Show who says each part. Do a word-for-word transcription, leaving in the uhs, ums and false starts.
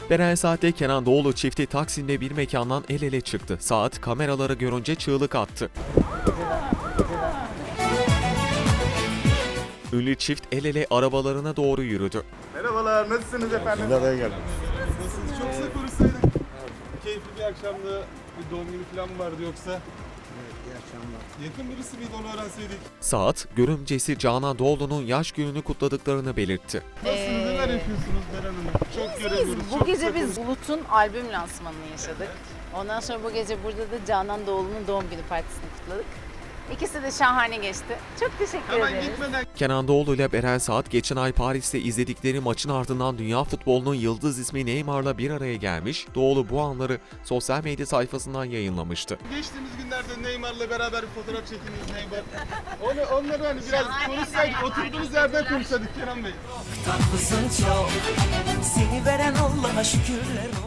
Speaker 1: Beren Saat'le Kenan Doğulu çifti Taksim'de bir mekandan el ele çıktı. Saat kameraları görünce çığlık attı. Ünlü çift el ele arabalarına doğru yürüdü.
Speaker 2: Merhabalar, nasılsınız efendim?
Speaker 3: Nereye geldiniz?
Speaker 2: Nasılsınız? Çok sık konuşsaydık. Keyifli bir akşamda bir doğum günü falan mı vardı yoksa?
Speaker 3: Evet, iyi akşamlar.
Speaker 2: Yakın birisi miydi onu öğrenseydik?
Speaker 1: Saat, görümcesi Canan Doğulu'nun yaş gününü kutladıklarını belirtti.
Speaker 2: Nasılsınız?
Speaker 4: Ee,
Speaker 2: Neler yapıyorsunuz Beren Hanım? Çok göremiyoruz.
Speaker 4: Bu
Speaker 2: çok
Speaker 4: gece
Speaker 2: sık
Speaker 4: biz Bulut'un albüm lansmanını yaşadık. Ondan sonra bu gece burada da Canan Doğulu'nun doğum günü partisini kutladık. İkisi de şahane geçti. Çok teşekkür
Speaker 2: Hemen
Speaker 4: ederiz.
Speaker 2: gitmeden
Speaker 1: Kenan Doğulu ile Beren Saat geçen ay Paris'te izledikleri maçın ardından dünya futbolunun yıldız ismi Neymar'la bir araya gelmiş, Doğulu bu anları sosyal medya sayfasından yayınlamıştı.
Speaker 2: geçtiğimiz günlerde Neymar'la beraber bir fotoğraf çekiniz Neymar. Onu, onları hani biraz konuşsaydık, oturduğumuz yerden konuşsaydık Kenan Bey.
Speaker 5: Tatlısın çok, seni veren Allah'a şükürler olsun.